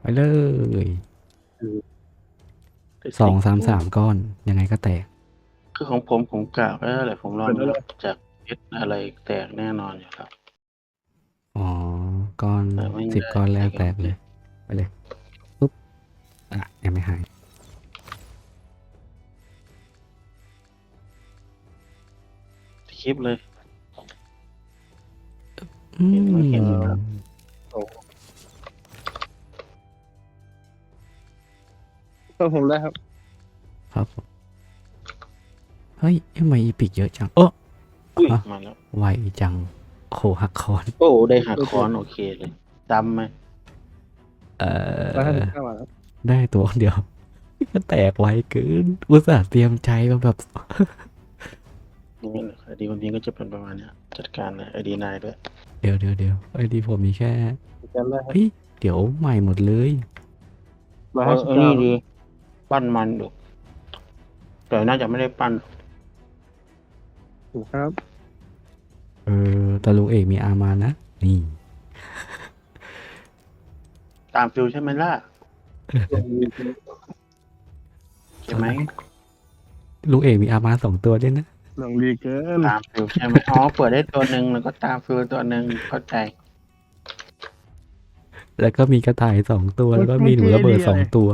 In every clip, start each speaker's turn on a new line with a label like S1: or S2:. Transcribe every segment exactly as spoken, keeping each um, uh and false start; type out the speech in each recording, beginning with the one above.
S1: เลย
S2: คือ
S1: สองสามสามก้อน ยังไงก็แตก
S2: คือของผมผมกะไว้แล้วแหละ ผมลองนับจากเพชรอะไรแตกแน่นอนอยู่ครับ
S1: อ๋อ ก้อน
S2: แต่ไม่
S1: สิบ
S2: ได้
S1: ก้อนแรก
S2: ใช้
S1: แตกเลย ไปเลย ปุ๊บ อะ ยังไม่หาย
S2: คลิปเลย
S1: อื
S2: เห็นไหม เห็นอยู่
S1: ม
S2: ครับ
S3: โอ้ ก็ผมได้ครับ
S1: ครับผม เฮ้ย ทำไม Epic เยอะจัง โอ๊ะ
S2: อุ๊ย
S1: ฮะ
S2: มาแล้ว
S1: ไวจัง โอ้โฮ หักค้อน
S2: โอ้ ได้หักค้อน โอเคเลย จำไหม?
S1: เอ่อ
S3: ร้อยห้าสิบเก้า บาทครับ
S1: ได้ตัวเดียว ก็แตกไวเกิน อุตส่าห์เตรียมใจมาแบบ
S2: นี่แหละ ไอดี คนนี้ก็จะเป็นประมาณเนี้ย จัดการเลย ไอดี นายด้วย
S1: เดี๋ยว ๆ ๆ ไอดีผมมีแค่
S3: จำได้ครั
S1: เฮ
S3: บ
S1: ้ย เดี๋ยวใหม่หมดเลย
S3: ร้อย
S2: เอ
S3: ห้า
S2: อ
S3: สิบ
S2: ไอ้
S3: เก้า
S2: นี่ดี ปั้นมันอยู่ แต่น่าจะไม่ได้ปั้น
S3: ถูกครับ
S1: เออ แต่ลุงเอกมีอาร์มานะ นี่
S2: ตามฟีลใช่ไหมล่ะ? ใช่ไหม?
S1: ลุงเอกมีอาร์มา สอง ตัวด้วยนะ
S3: หนังดีเกิน
S2: ตามฟีลใช่ไหม? อ๋อ เปิดได้ตัวหนึ่ง แล้วก็ตามฟีลตัวหนึ่ง เข้าใจ
S1: แล้วก็มีกระต่าย สอง ตัว แล้วก็มีหนูระเบิด สอง ตัว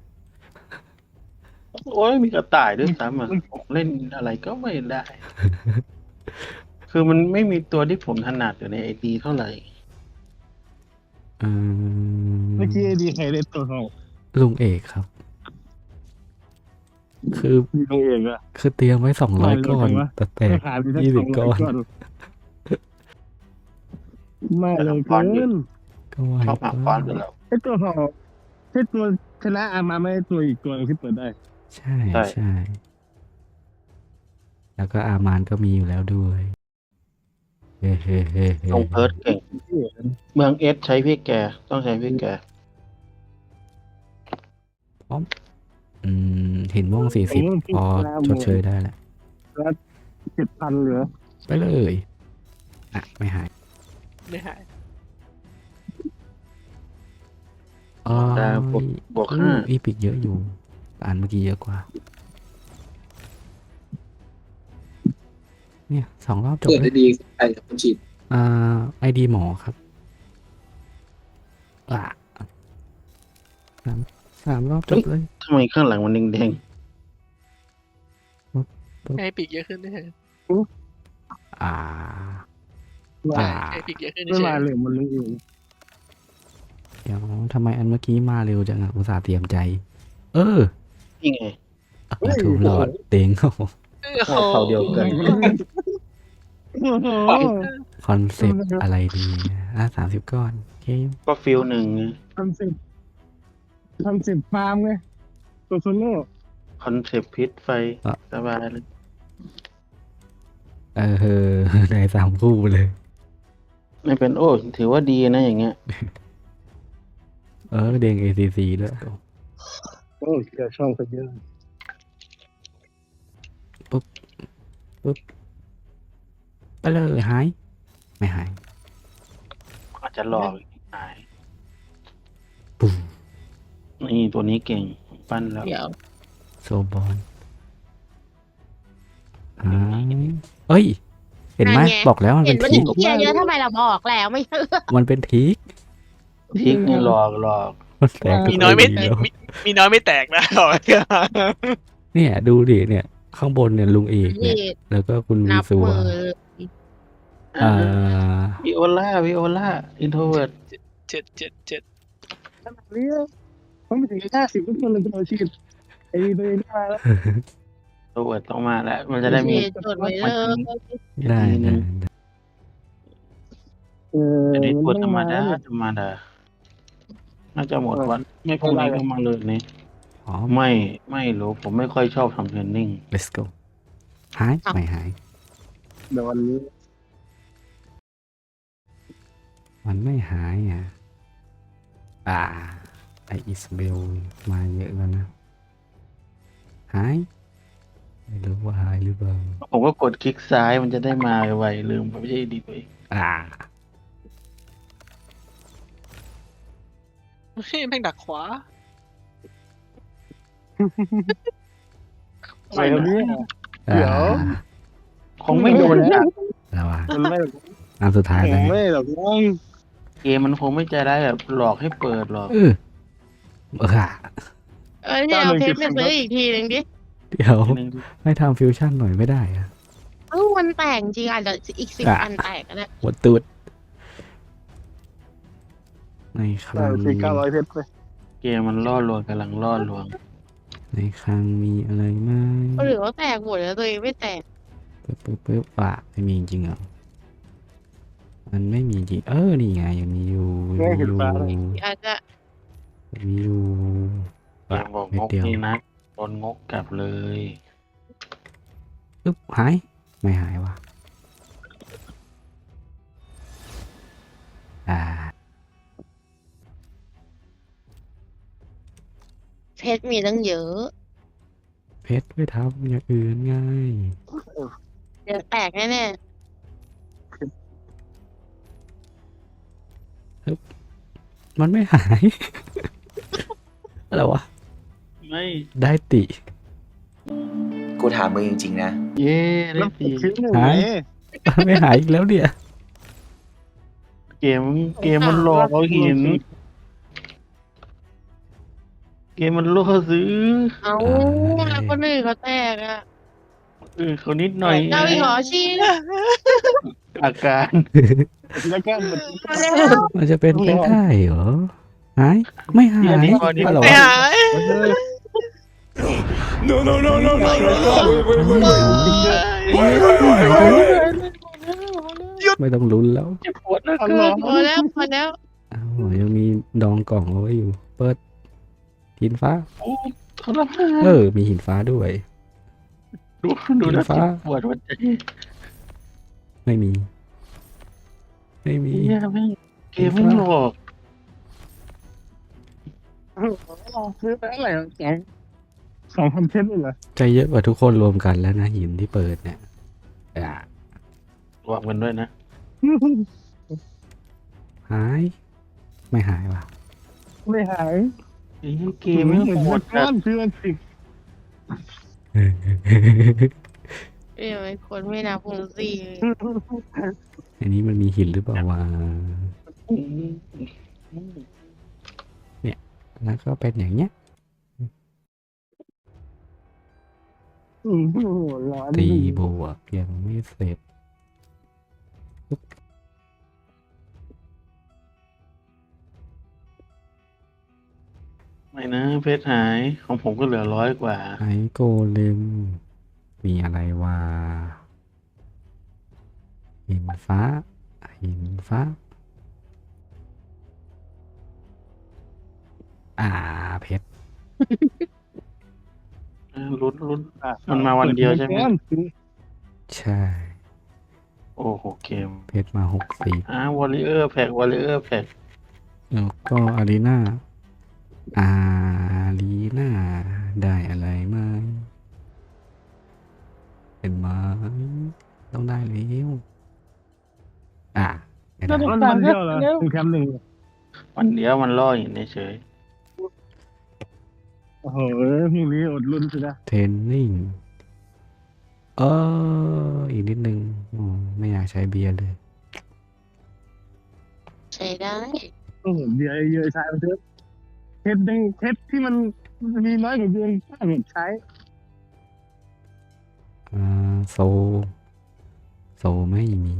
S2: โอ๊ย มีกระต่ายด้วยซ้ำอะ ผมเล่นอะไรก็ไม่ได้ คือมันไม่มีตัวที่ผมถนัดอยู่ในไอดีเท่าไร
S1: อื
S3: เมื่อกี้ไอ
S1: ม
S3: ดีใครเล่นตัวทอง?
S1: ลุงเอกครับ คือ
S3: ลุงเอกอะ
S1: คือเตรียมไว้ สองร้อย ก้อน แต่แต
S3: ไม่
S1: ก
S3: ขาดไปสัก
S1: ยี่สิบ
S3: สองร้
S1: ก้
S3: อย
S1: อน
S3: ก้อน ไม่
S2: แต่
S3: เร็ว
S2: ละ
S3: เก
S2: ก้อนอยู่
S3: ิน
S1: ก็ไว
S2: ชอบหัก
S1: ไป
S2: ค้อนอยู่แล้ว
S3: ไอ้ตัวทอง ไอ้ตัวชนะอาร์มา ไม่ใช่ตัวอีกตัวหนึ่งที่เปิดได้
S1: ใช่
S2: ใช่
S1: ใช่ แล้วก็อาร์มานก็มีอยู่แล้วด้วย เฮ้
S2: ทรง
S1: ๆ
S2: เพิร์ท
S1: ๆ ๆ
S2: เก่ง เมือง S ใช้พี่แก ต้องใช้พี่แก
S1: พร้อม อืม หินม่วง สี่
S3: ผม
S1: สิบ
S3: ว่าพี่
S1: พอ
S3: หน้า
S1: ช
S3: มื
S1: ด
S3: อ
S1: เชยได้แล้ว
S3: แล้ว เจ็ดพัน เหลือ
S1: ไปเลย อะ ไม่หาย
S4: ไม่หาย
S1: โอ๊
S2: แต่บวก
S1: ย
S2: บวก
S1: โอ้
S2: ห้า
S1: Epic เยอะอยู่ แต่อันเมื่อกี้เยอะกว่า เนี่ย สอง รอบจบ
S5: เปิด
S1: เล
S5: ไอย ดี ใครเป็นคนฉีด?
S1: อ่า ไอดี หมอครับ อา สาม สาม รอบจ
S2: เฮ้
S1: บ
S2: ย
S1: เลย
S2: ทำไมข้างหลังมันแดง
S1: ปึ๊บ ปึ๊บ
S4: ให้ Epic เยอะขึ้นเฉย
S3: อือ
S1: อา
S3: ว่า
S1: อ
S4: ใช่
S1: า
S4: ให้ Epic เยอะขึ้น
S3: ไม่
S4: เฉ
S3: มาย เร็วเหมือนลุงเอก
S1: เดี๋ยว ทำไมอันเมื่อกี้มาเร็วจังอะ อุตส่าห์เตรียมใจ เออ
S2: ๆ นี่ไง
S1: อา
S3: เฮ้ย
S1: ถูกหลอด เต็ง โอ้โฮ
S4: โอ้
S2: โอ้
S4: โฮ
S2: เผ่าเดียวกัน
S3: โอ้โฮ
S1: คอนเซปต์อะไรดีนะ อา สามสิบ ก้อน โอเค
S2: ก็ฟีลหนึ่งไง
S3: คอนเซปต์ คอนเซปต์ฟาร์มไง ตัวโซโล่
S2: คอนเซปต์พิษไฟ
S1: อะ
S2: สบายเลย
S1: เออ ได้ สาม คู่เลย
S2: ไม่เป็น โอ้ ถือว่าดีนะอย่างเงี้ย
S1: เออ เด้ง เอ ซี ซี ด้วย
S3: โอ้ เคลียร์ช่องซะเยอะ
S1: ปึ๊บ ปึ๊บ ไปเลย หาย ไม่หาย
S2: อาจจะหลอกหาย
S1: ปูม
S2: นี่ตัวนี้เก่ง ปั้นแล้ว
S4: เดี๋ยว
S1: โซบอน หาย เฮ้ย เห็นไหม
S6: นั่นไง
S1: บอกแล้วมัน
S6: เห็
S1: เป็น น
S6: ว่า
S1: ทริ
S6: จะ
S1: ก
S6: เหี้ยเยอะทำไมเราบอกแล้วไม่เชื่อ
S1: มันเป็นทริก
S2: ทริกนี่หลอกหลอก
S1: มันแตกทุ
S4: มี
S1: ก
S4: น้อยไม่
S1: ที
S4: มี
S1: แล้ว
S4: มีมีน้อยไม่แตกนะ บอกไว้ก่อน
S1: เนี่ย ดูดิ เนี่ย ข้างบนเนี่ยลุงเอกเนี่
S6: นี่
S1: ย แล้วก็คุณ
S6: นับ
S1: Visual
S6: มือ
S1: อ่า
S2: Viola Viola Introvert
S4: เจ็ด เจ็ด เจ็ด
S3: ขนาดนี้แล้ว ผมไปถึง ห้าสิบ ทุกคนเลยเป็นอาชีพ ไอ้ตัวเองมาแล้ว
S2: Introvert ต้องมาแล้ว มันจะได้มี
S6: นี่จดไว้เลย
S1: ได้
S2: ทีหนึ่ง
S1: ได้
S3: เออ
S2: อันนี้
S3: มัน
S2: ตัว
S3: ต้
S2: ธ
S3: อ
S2: รง รม
S3: มาแล้
S2: ดาว
S3: เนี่ย
S2: ธรรมดา น่าจะหมด
S3: เออ
S2: วัน ไม่พรุ่งนี้ก็มาเลยนี่
S1: อ๋อ
S2: ไม่ ไม่รู้ ผมไม่ค่อยชอบทำ training
S1: let's go หาย
S6: อ้าว
S1: ไม่หาย
S3: เดี๋ยววันนี้
S1: มันไม่หายอะ อ่า ไอ้อิสเบลมาเยอะแล้วนะ หาย ไม่รู้ว่าหายหรือเปล่า
S2: ผมก็กดคลิกซ้ายมันจะได้มาไว ลืมไปไม่ใช่ดีตัวเอง
S1: อ่า
S4: เฮ้ยแม่งดักขวา
S3: ไปครับเนี่ย
S1: อ่า
S3: เดี๋ยว
S2: คงไม่โดนจัด
S1: แล้วว่า
S3: มันไม่
S1: อันสุดท้าย
S3: ผ
S1: แล้ว
S3: มไม่หรอกน้อง
S2: เกมมันคงไม่ใจร้ายแบบหลอกให้เปิดหรอก
S1: เออเออค่ะ
S6: เออเนี่ยเอาเพชรไปซื้ออีกทีหนึ่งดิ
S1: เดี๋ยว
S2: ทีนึง
S1: ไม่ทำฟิวชั่นหน่อยไม่ได้อะ
S6: เออมันแตกจริงอาจจะอีกสิบ
S1: อ่ะ
S6: อันแตกก็ได้
S1: หัวตูดในค
S3: ได้
S1: ลัง
S3: สี่เก้าร้อยเพชรไป
S2: เกมมันล่อลวงกำลังล่อลวง
S1: ในคลังมีอะไรไหม
S6: หรือว่าแตกหมดแล้วตัวเองไม่แตก
S1: ปึ๊บปึ๊บปึ๊บอ่ะไม่มีจริงเหรอมันไม่มีจริงเออนี่ไงยังมีอยู่ยังมีอยู่
S6: อาจจะ
S1: ยังมีอยู่
S2: เกมบอก
S1: เม็
S2: ง
S1: ด
S2: ก
S1: เดียว
S2: นี่นะโดนงกกลับเลย
S1: ปึ๊บหายไม่หายว่ะอ่า
S6: เพชรมีตั้งเยอะ
S1: เพชรไปทำอย่างอื่นไง
S6: เดี๋ยวแตกแน่
S1: มันไม่หาย อะไรวะ
S2: ไม่
S1: ได้ติ
S5: กูถามมึงจริงๆนะ
S2: เย่ได้
S3: แล้ว
S2: สี
S3: คิดหนึ่ง
S1: หาย
S3: ไง
S1: ไม่หายอีกแล้วเนี่ย
S2: เกมเกมมันหลอกเอาหิน เกมมันล่อซื้อ
S6: ๆเอาแล้วคนอื่นเขาแตกอ่ะ
S2: เออเขานิดหน่อย
S6: เจ้าอีกเหรอชี
S2: อาการ
S3: แล้วก็มัน
S1: มันจะเป็นไปได้เหรอ หาย ไม่หาย
S2: อันนี้พอดี
S1: อะไร
S4: ไม่
S1: วะ
S4: หาย
S1: ไม่ต้องลุ้นแล้ว
S2: เจ็บปวดนะ
S3: อัน
S2: เกิ
S3: หลอน
S6: พอแล้วพอแล้ว
S1: อ้าวยังมีดองกล่องเอาไว้อยู่ เปิดหินฟ้า
S2: โอ้ทรมาน
S1: เออ มีหินฟ้าด้วย
S2: ดูดูนะ
S1: ฟ้า
S2: เจ็บปวดหัวใจ
S1: ไม่มี ไม่มี
S2: เหี้ยแม่งเกมไม่งหลอก
S3: ซื้อไปเท่าไหร่สองสองพันเพชรเลยเหรอ
S1: ใจเยอะกว่าทุกคนรวมกันแล้วนะหินที่เปิดเนี่ยอ่ะ
S2: รวมกันด้วยนะ
S1: หาย ไม่หายว่ะ
S3: ไม่หาย
S2: ไอ้เกมไม่ง
S3: เหมือน
S2: โห
S3: มั
S2: ด
S3: น
S2: จั
S3: ก้อ
S2: ด
S3: นคือมันสิบ
S6: เอ้ยมันคนไม่นับวงสี่เลย
S1: อันนี้มันมีหินหรือเปล่าวะแล้วก็เป็นอย่างเงี้ย
S3: โอ้โหร้อน
S1: ตีบวกยังไม่เสร็จ
S2: ไม่นะเพชรหายของผมก็เหลือร้อยกว่า
S1: ไอโกเลมมีอะไรวะหินฟ้า หินฟ้า อ่าเพชร
S2: เออลุ้นลุ้น
S3: อ่ะ
S2: มันมาวันเดียวใช่ไหม
S3: ก้อนคือ
S1: ใช่
S2: โอ้โหเกม
S1: เพชรมาหกสี่
S2: อ่าวอลเลเยอร์แพ็กวอลเลเยอร์แพ็ก
S1: แล้วก็อารีนาอารีนาได้อะไรไหมเป็นไหมต้องได้แล้วอ่ะไม่ได้
S3: มันมันเดียวเหรอถึงแคมป์หนึ่ง
S2: วันเดียวมันล่อหินเฉย
S3: โอ้โหพรุ่งนี้อดลุ้นสินะ
S1: เทรนนิ่งเอออีกนิดนึงอ๋อไม่อยากใช้เบียร์เลย
S6: ใช้ได้
S3: โอ้โหเบียร์เยอะใช้มันเถอะเพชรยังเพชรที่มันมีน้อยกว่าเบียร์ถ้าหมดใช้
S1: อ่าโซ โซไม่มี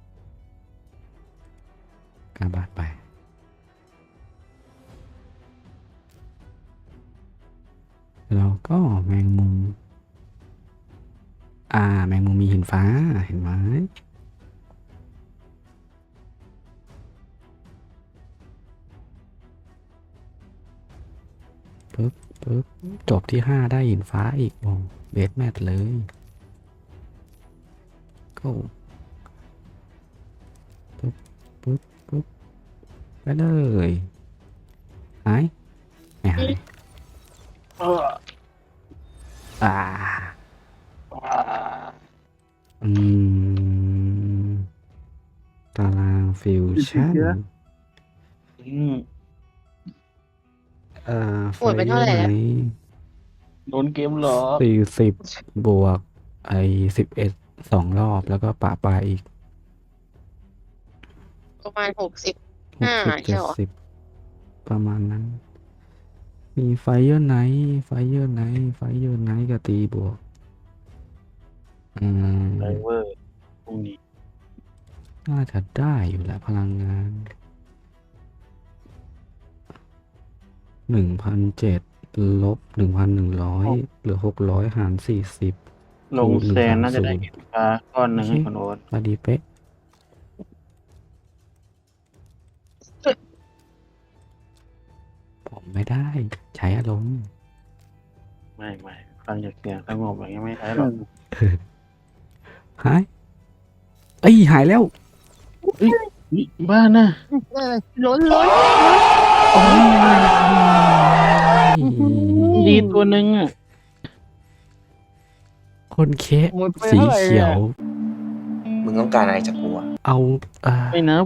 S1: กาบาดไป แล้วก็แมงมุม อ่า แมงมุมมีหินฟ้าเห็นไหมปึ๊บปึ๊บจบที่ห้าได้หินฟ้าอีกโอ้เบสแมทเลยก็ปึ๊บปึ๊บปึ๊บไปเลยหายไม่หาย
S2: ๆเออ
S1: อ่า
S2: ว้า
S1: อืม ตารางฟิวชั่น
S2: อืม
S1: เอ่อ
S6: หมดไปเท่าไหร่แล้ว
S2: โดนเกมหลอก
S1: สี่สิบบวก ไอ้สิบเอ็ดสองรอบแล้วก็ปะปลายอีก
S6: ประมาณหกสิบ
S1: หก
S6: อ่า
S1: สิบ
S6: ใช่
S1: เจ็ด
S6: เหรอ
S1: สิบประมาณนั้น มีไฟเยอร์ไนท์ไฟเยอร์ไนท์ไฟเยอร์ไนท์กับตีบวก อืม
S2: ไดเวอร์พรุ่งนี้
S1: น่าจะได้อยู่แหละพลังงาน หนึ่งพันเจ็ดลบหนึ่งพันหนึ่งร้อยเหลือหกร้อยหารสี่สิบ
S2: ลง
S1: คูณ
S2: แซนน่าจะได้
S1: หนึ่ง
S2: เห็นปลาก้อนหนึ่งให้คนโอ๊ต
S1: พอดีเป๊ะ ผมไม่ได้ ใช้อารมณ์
S2: ไม่ไม่ฟังจากเสียงสงบอย่างนี้ไม่ใช่หรอก
S1: หาย เอ้ย หายแล้ว
S2: นี่บ้านะ
S6: ล้นล้น
S2: ดีตัวหนึ่งอ่ะ
S1: คนเคะ
S3: หมดไป
S1: สี
S3: เท่าไหร่
S1: เขียว
S5: มึงต้องการอะไรจากกูอะ
S1: เอาอ่า
S2: ไม่นับ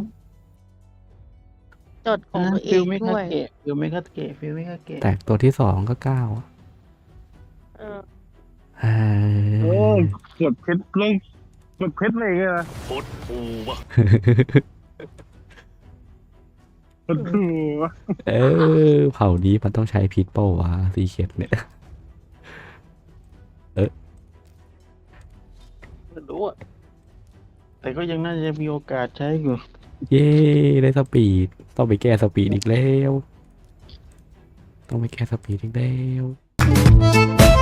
S6: จดของตัวเอ
S2: ฟิล
S6: ง
S2: ไม่
S6: ด้
S2: คา
S6: วย
S2: เกะฟิลไม่คาเกะฟิลไม่คาเกะ
S1: แตกตัวที่สองก็เก้า
S6: เออ
S1: เอ้
S3: โอ้
S1: ย
S3: กดเพชรลงกดเพชรเลยไงล่ะกดถูก
S1: เออ เผ่านี้มันต้องใช้พิษเป้าวะสีเขียดเนี่ย
S2: ไม่รู้อ่ะแต่ก็ยังน่าจะมีโอกาสใช้อยู่
S1: เย้ ได้สปีด ต้องไปแก้สปีดอีกแล้ว ต้องไปแก้สปีดอีกแล้ว